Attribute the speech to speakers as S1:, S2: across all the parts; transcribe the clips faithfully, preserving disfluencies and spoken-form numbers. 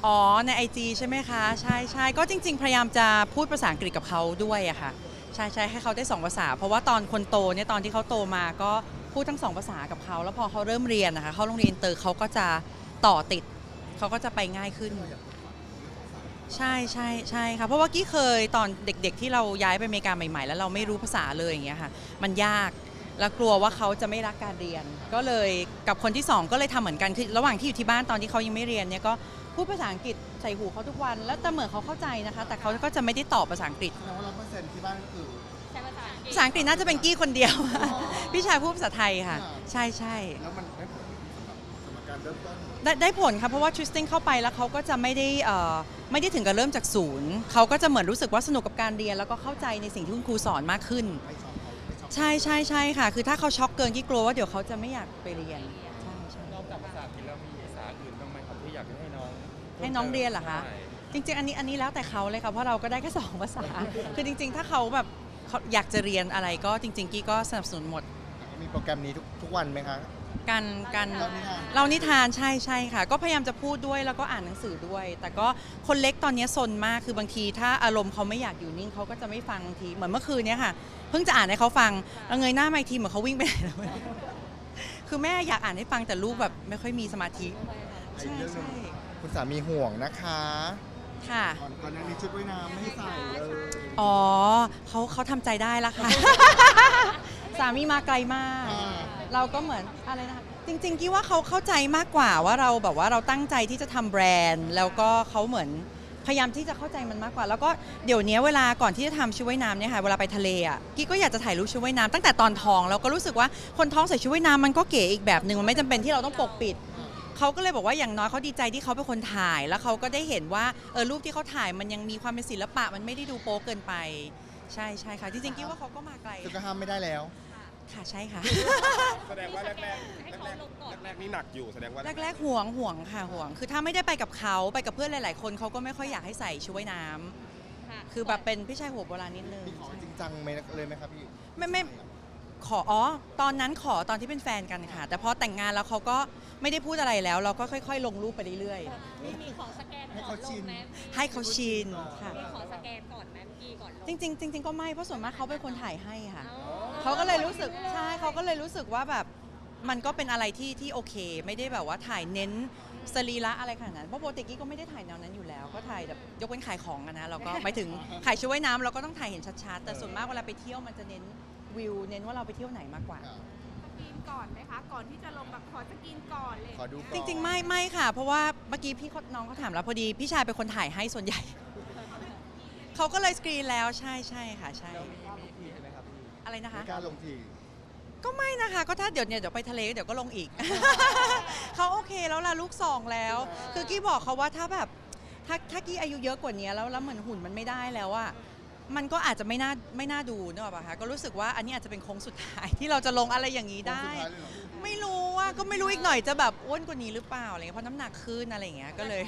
S1: อ๋อใน ไอ จี ใช่ไหมคะใช่ใช่ก็จริงๆพยายามจะพูดภาษาอังกฤษกับเขาด้วยอะค่ะใช่ใช่ให้เขาได้สองภาษาเพราะว่าตอนคนโตเนี่ยตอนที่เขาโตมาก็พูดทั้งสองภาษากับเขาแล้วพอเขาเริ่มเรียนนะคะเขาโรงเรียนอินเตอร์เขาก็จะต่อติดเขาก็จะไปง่ายขึ้นใช่ใช่ใช่ค่ะเพราะว่ากี้เคยตอนเด็กๆที่เราย้ายไปอเมริกาใหม่ๆแล้วเราไม่รู้ภาษาเลยอย่างเงี้ยค่ะมันยากแล้วกลัวว่าเขาจะไม่รักการเรียนก็เลยกับคนที่สองก็เลยทำเหมือนกันคือระหว่างที่อยู่ที่บ้านตอนที่เขายังไม่เรียนเนี่ยก็พูดภาษาอังกฤษใส่หูเขาทุกวันแล้วแต่เหมือนเขาเข้าใจนะคะแต่เขาก็จะไม่ได้ตอบภาษาอังกฤษ
S2: แสดงว่าร้อยเปอร์เซ็นต์ที่บ้านก็คือ
S3: ใช้ภาษาอังกฤษ
S1: ภาษาอังกฤษน่าจะเป็นกี้คนเดียวพี่ชายพูดภาษาไทยค่ะใช่ใช่
S2: แล้วมันได้ผลสำหรับสำหรับการเริ่มต้น
S1: ได้ได้ผลค่ะเพราะว่าทริสติ้งเข้าไปแล้วเขาก็จะไม่ได้เอ่อไม่ได้ถึงกับเริ่มจากศูนย์เขาก็จะเหมือนรู้สึกว่าสนุกกับการเรียนแล้วก็เข้าใจในสิ่งที่คุณครูสอนมากขึ้น
S2: ไม่ชอบเขาไม่ชอบ
S1: ใช่ใช่ใช่ค่ะคือถ้าเขาช็อกเกินกี้กลัวว่าเดี๋ยวเขาจะไม่อยากไปเรียนใช่ใช่
S4: นอกจากภาษาอังกฤษแล้วมีภาษาอื่นบ้างไหมครับที่อยากจะให้น้อง
S1: ให้น้องเรียนเหรอคะจริงๆอันนี้อันนี้แล้วแต่เขาเลยค่ะเพราะเราก็ได้แค่สองภาษาคือจริงๆถ้าเขาแบบเขาอยากจะเรียนอะไรก็จริงๆกี้ก็สนับสนุนหมด
S2: มีโปรแกรมนี้ทุกทุกวันไหมคะ
S1: การการ
S2: เรานิทาน
S1: เรานิทานใช่ใช่ค่ะก็พยายามจะพูดด้วยแล้วก็อ่านหนังสือด้วย แต่ก็คนเล็กตอนนี้ซนมากคือบางทีถ้าอารมณ์เขาไม่อยากอยู่นิ่งเขาก็จะไม่ฟังบางทีเหมือนเมื่อคืนเนี้ยค่ะเพิ่งจะอ่านให้เขาฟังแล้วเงยหน้ามาอีกทีเหมือนเขาวิ่งไปไหนแล้วไม่รู้คือแม่อยากอ่านให้ฟังแต่ลูกแบบไม่ค่อยมีสมาธิใช่ใช่
S2: คุณสามีห่วงนะคะ
S1: ค่ะ
S2: ก่อนก่อนหน้านี้ชุดว่ายน้ำไม่ให้ใส่เลย
S1: อ๋อเขาเขาทำใจได้แล้วค่ะ สามีมาไกลมาก
S2: อ่า
S1: เราก็เหมือนอะไรนะคะจริงๆกี้ว่าเขาเข้าใจมากกว่าว่าเราแบบว่าเราตั้งใจที่จะทำแบรนด์แล้วก็เขาเหมือนพยายามที่จะเข้าใจมันมากกว่า แล้วก็เดี๋ยวนี้เวลาก่อนที่จะทำชุดว่ายน้ำเนี่ยค่ะเวลาไปทะเลอ่ะกี้ก็อยากจะถ่ายรูปชุดว่ายน้ำตั้งแต่ตอนท้องแล้วก็รู้สึกว่าคนท้องใส่ชุดว่ายน้ำมันก็เก๋อีกแบบหนึ่งมันไม่จำเป็นที่เราต้องปกปิดเขาก็เลยบอกว่าอย่างน้อยเขาดีใจที่เขาเป็นคนถ่ายแล้วเขาก็ได้เห็นว่าเออรูปที่เขาถ่ายมันยังมีความเป็นศิลปะมันไม่ได้ดูโป๊เกินไปใช่ใช่ค่ะจริงๆกี้ว่าเขาก็มาไกล
S2: ชุดก็ห้ามไม่ได้แล้ว
S1: ค่ะใช่ค่ะ
S4: แสดงว่าแรกๆแรกๆแรกๆนี่หนักอยู่แสดงว่า
S1: แรกๆห่วงห่วงค่ะห่วง คือถ้าไม่ได้ไปกับเขาไปกับเพื่อนหลายๆคนเขาก็ไม่ค่อยอยากให้ใส่ชุดว่ายน้ำคือแบบเป็นพี่ชายหัวโบราณนิดนึง
S2: พี่ขอจริงจังไหมเลยไหมครับพี่
S1: ไม่ไม่ขออ๋อตอนนั้นขอตอนที่เป็นแฟนกันค่ะ แต่พอแต่งงานแล้วเขาก็ไม่ได้พูดอะไรแล้ว เราก็ค่อยๆ ลงรูปไปเรื่อย
S3: มีมีของสแกน
S2: ให้
S3: ก่อ
S2: เขา
S3: นล
S2: ชิ
S3: ง
S2: น
S3: ไหม
S1: ๆ ให้เขาชินค่ะ
S3: มีของสแกนก่อนไหมเมื่อกี้ก่อนลง
S1: จริงๆจริงๆก็ไม่เพราะส่วนมากเขาเป็นคนถ่ายให้ค่ะ
S3: อ๋อ
S1: เขาก็เลยรู้สึกใช่เขาก็เลยรู้สึกว่าแบบมันก็เป็นอะไรที่ที่โอเค ไม่ได้แบบว่าถ่ายเน้นสรีระอะไรขนาดนั้นเพราะปกติกี้ก็ไม่ได้ถ่ายแนวนั้นอยู่แล้ว ก็ถ่ายแบบยกเว้นขายของอะนะเราก็หมายถึงขายชุดว่ายน้ำเราก็ต้องถ่ายเห็นชัดๆแต่ส่วนมากเวลาไปเที่ยวมันจะเน้นวิวเน้นว่าเราไปเที่ยวไหนมากกว่า
S5: สกรีนก่อนไหมคะ ก่อนที่จะลงแบบขอสกรีนก่อนเลย
S2: ขอดูก่อน
S1: จริงๆไม่ไม่ค่ะ เพราะว่าเมื่อกี้พี่น้องเขาถามแล้วพอดีพี่ชายเป็นคนถ่ายให้ส่วนใหญ่ เขาก็เลยสกรีนแล้วใช่ใช่ค่ะใช่อะไรนะคะ
S2: ไม่กล้าลงที
S1: ก็ไม่นะคะ ก็ถ้าเดี๋ยวเนี่ยเดี๋ยวไปทะเลเดี๋ยวก็ลงอีก เขาโอเคแล้วล่ะลูกสองแล้ว คือกี้บอกเขาว่าถ้าแบบถ้าถ้ากี้อายุเยอะกว่านี้แล้วแล้วเหมือนหุ่นมันไม่ได้แล้วอะมันก็อาจจะไม่น่าไม่น่าดูเนอะป่ะคะก็รู้สึกว่าอันนี้อาจจะเป็นโค้งสุดท้าย ที่เราจะลงอะไรอย่างนี้ได้
S2: โค้งสุดท้ายเลยเหรอ
S1: ไม่รู้ว่าก็ไม่รู้อีกหน่อยจะแบบอ้วนกว่านี้หรือเปล่าอะไรเงี้ยเพราะน้ำหนักขึ้นอะไรอย่างเงี้ยก็เลย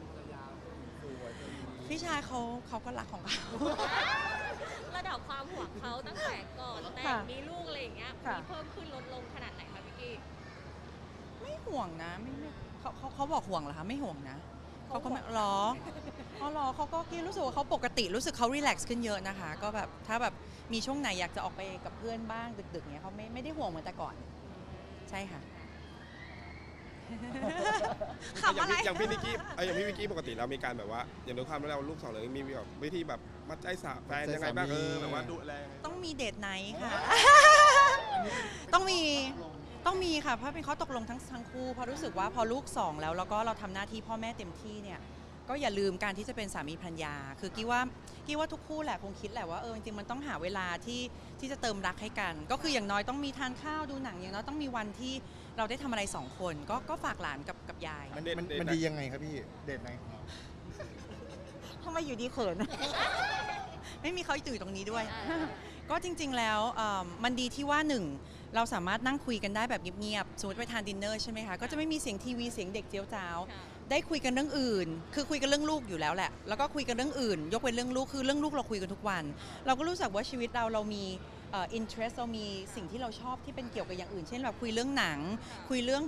S1: พี่ชายเขาเขาก็รักของเขา
S3: ระดับความห่วงเขาตั้งแต่ก่อนแต่
S1: ค่ะ
S3: งมีลูกอะไรอย่างเงี้ย
S1: ค่ะ
S3: มีเพิ่มขึ้นลดลงขนาดไหนคะพี่กี้
S1: ไม่ห่วงนะไม่ไม่เขาเขาเขาบอกห่วงเหรอคะไม่ห่วงนะเขาก็ไม่หรออ๋อหรอเขาก็กี้รู้สึกว่าเขาปกติรู้สึกเขารีแลกซ์ขึ้นเยอะนะคะ ก็แบบถ้าแบบมีช่วงไหนอยากจะออกไปกับเพื่อนบ้างดึกๆเนี้ยเขาไม่ไม่ได้ห่วงเหมือนแต่ก่อน ใช่ค่ะ ขำ
S4: อย่า
S1: อะ
S4: ง
S1: ไร
S4: พี่อย่างพี่นิกกี้เอ้ยอย่างพี่นิกกี้ปกติเรามีการแบบว่าอย่างด้วยความที่เราลูกสองเลยมีแบบวิธีแบบมัดใจสาแฟนยังไงบ้างเออแบบว่าดูแลยังไง
S1: ต้องมีเดทไนท์ค่ะ ต้องมีต้องมีค่ะเพราะเป็นข้อตกลงทั้งทั้งคู่เพราะรู้สึกว่าพอลูกสองแล้วแล้วก็เราทำหน้าที่พ่อแม่เต็มที่เนี่ยก็อย่าลืมการที่จะเป็นสามีภรรยา คือกี้ว่ากี้ว่าทุกคู่แหละคงคิดแหละว่าเออจริงๆมันต้องหาเวลาที่ที่จะเติมรักให้กัน ก็คืออย่างน้อยต้องมีทานข้าวดูหนังอย่างน้อยต้องมีวันที่เราได้ทำอะไรสองคนก็ก็ฝากหลานกับกับยาย
S2: มัน
S4: เดท
S2: มัน
S4: เดท
S2: มัน
S4: ไหน
S2: ดียังไงครับพี่ เดทไหนของเรา
S1: ทำไมอยู่ดีเขิน ไม่มีเขาอยู่ตรงนี้ด้วย ก็จริงๆ แล้วเอิ่มมันดีที่ว่าหนึ่งเราสามารถนั่งคุยกันได้แบบเงียบๆ สมมติไปทานดินเนอร์ใช่ไหมคะ ก็จะไม่มีเสียงทีวีเสียงเด็กเจียวจ้าว
S3: ค่ะ
S1: ได้คุยกันเรื่องอื่น คือคุยกันเรื่องลูกอยู่แล้วแหละ แล้วก็คุยกันเรื่องอื่น ยกเว้นเรื่องลูก คือเรื่องลูกเราคุยกันทุกวัน เราก็รู้สึกว่าชีวิตเราเรามีเอ่อ interest เรามีสิ่งที่เราชอบที่เป็นเกี่ยวกับอย่างอื่น เช่นแบบคุยเรื่องหนัง คุยเรื่องแบบ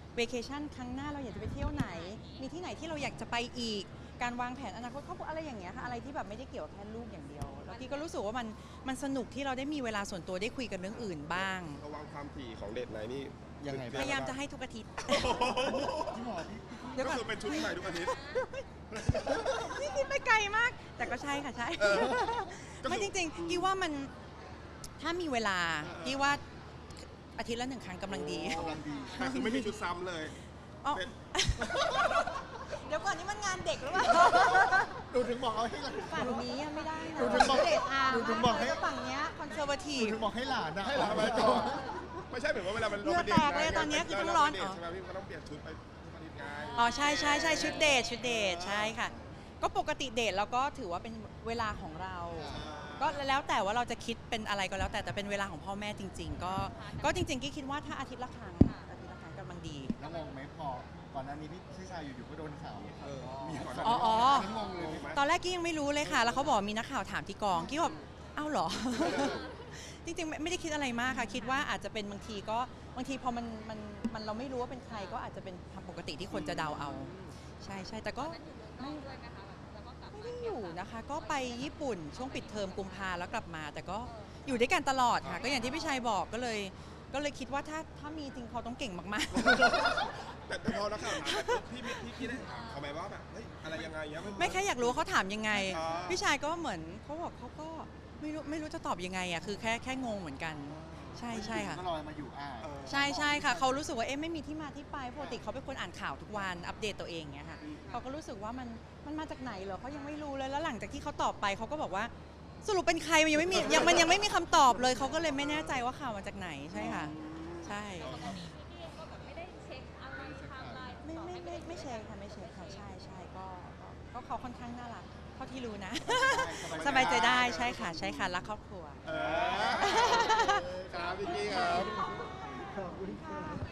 S1: เวเคชั่นครั้งหน้าเราอยากจะไปเที่ยวไหน มีที่ไหนที่เราอยากจะไปอีก การวางแผนอนาคตครอบครัวอะไรอย่างเงี้ยค่ะอะไรที่แบบไม่ได้เกี่ยวกับแค่ลูกอย่างเดียวแล้วพี่ก็รู้สึกว่ามันมันสนุกที่เราได้มีเวลาส่วนตัวได้คุยกันเรื่องอื่นบ้าง
S4: ระวังความถี่ของเดทไหนนี่
S2: ยังไง
S1: พ
S2: บ้าง
S1: ยายามจะให้ทุกอาทิตย์
S2: พี่หมอพี่
S1: เดี๋ยว
S4: ก็
S1: ก่อน
S4: คือเป็นชุดใหม่ทุกอาทิตย์
S1: นี่คิดไปไกลมาก แต่ก็ใช่ค่ะใช่
S4: เออก็คือ
S1: ไม่จริงๆกี้ว่ามันถ้ามีเวลากี้ว่าอาทิตย์ละหนึ่งครั้งกำลังดี
S2: กำลังดี
S4: แต่คือไม่มีชุดซ้ำเลย
S1: อ๋อ
S4: เป็น
S1: เดี๋ยวก่อนนี่มันงานเด็กหรือเปล่า
S2: ดูถึงบอกเอาให้หลาน
S1: ฝั่งนี้ยังไม่ได้นะ
S2: ดูถึงบอก
S1: เดทอาร์
S2: ดูถึงบอกให้
S1: แล้วฝั่งเนี้ยคอนเซอร์วที
S2: ดู
S1: ฟ
S2: ถึงบอกให้หลานนะให้หลาน
S4: ทำไม
S2: มา
S4: ต่
S2: ต่
S4: อ
S2: อ
S4: ไม่ใช่เหมือนว่าเวลามัน
S1: เหงื่อแตกเลยตอนเนี้ยคือต้องร้อน
S4: เด
S1: อ๋
S4: ท
S1: อ
S4: ใช่ไหมพี่มันต้องเปลี่ยนชุดไปทุกอาทิตย์ไง
S1: อ๋อใช่ใช่ใช่ชุดเดทชุดเดทใช่ค่ะ ก็ปกติเดทเราก็ถือว่าเป็นเวลาของเรา ก็แล้วแต่ว่าเราจะคิดเป็นอะไรก็แล้วแต่แต่เป็นเวลาของพ่อแม่จริง ๆ ก็ก็จริงๆกี้คิดว่าถ้าอาทิตย์ละครั้งอาทิตย์ละครั้งกำลังดี
S2: แล้วงงไหมพอก่อนหน้านี้พี่พี่ชายอยู่ๆก็โดนข่าว
S4: เออ
S2: มี
S4: ก่อน
S1: อ๋ออ๋อ
S2: นงงเลยไหม
S1: ตอนแรกกี้ยังไม่รู้เลยค่ะ แล้วเขาบอกมีนักข่าวถามที่กองกี้แบบเอ้าเหรอ จริงๆไม่ไม่ได้คิดอะไรมากค่ะ คิดว่าอาจจะเป็นบางทีก็บางทีพอมันมันมันเราไม่รู้ว่าเป็นใครก็อาจจะเป็นปกติที่คนจะเดาเอา ใช่ใช่แต่ก็
S3: ตอนนั้นอยู่เมืองนอกด้วยนะคะแบบแล้วก็กลับ
S1: ไม่
S3: มา
S1: ได้อยู่นะคะ ก็ไปญี่ปุ่นช่วงปิดเทอมกุมภาแล้วกลับมา แต่ก็อยู่ด้วยกันตลอดค่ะ ก็อย่างที่พี่ชัยบอกก็เลย ก็เลยคิดว่าถ้าถ้ามีจริงเขาต้องเก่งมากๆ
S4: แต่แต่พอนักข่าวถามแบบพี่พี่พี่พี่ได้ถามเขาไหมว่าแบบเฮ้ยอะไรยังไงเงี้ยน
S1: ไม่แค่อยากรู้ว่าเขาถามยังไง
S4: อ๋อ
S1: พี่ชายก็เหมือนเขาบอกเขาก็ไม่รู้ไม่รู้จะตอบยังไงอ่ะคือแค่แค่งงเหมือนกัน ใช่ใช่ค่ะ
S2: ก็ลอยมาอยู่อ่า
S4: เออ
S1: ใช่ใช่ค่ะเขารู้สึกว่าเอ๊ะไม่มีที่มาที่ไปปกติเขาเป็นคนอ่านข่าวทุกวันอัปเดตตัวเองเงี้ยค่ะเขาก็รู้สึกว่ามันมันมาจากไหนเหรอเขายังไม่รู้เลยแล้วหลังจากที่เขาตอบไปเขาก็บอกว่าสรุปเป็นใครมันยังไม่มียังมันยังไม่มีคำตอบเลยเขาก็เลยไม่แน่ใจว่าข่าวมาจากไหนใช่ค่ะ ใช่
S3: ปกติพี่เองก็แบบไม่ได้เช็คอะไรไทม์ไลน์
S1: ไม่ไม่ไม่ไม่เช็คค่ะไม่เช็คค่ะใช่ใช่ก็ก็ก็เขาค่อนข้างน่ารักเท่าที่รู้นะ สบายใจได้ใช่ค่ะใช่ค่ะรักครอบครัว
S4: เออครับพี่กี้ครับ
S2: ขอบคุณค่ะ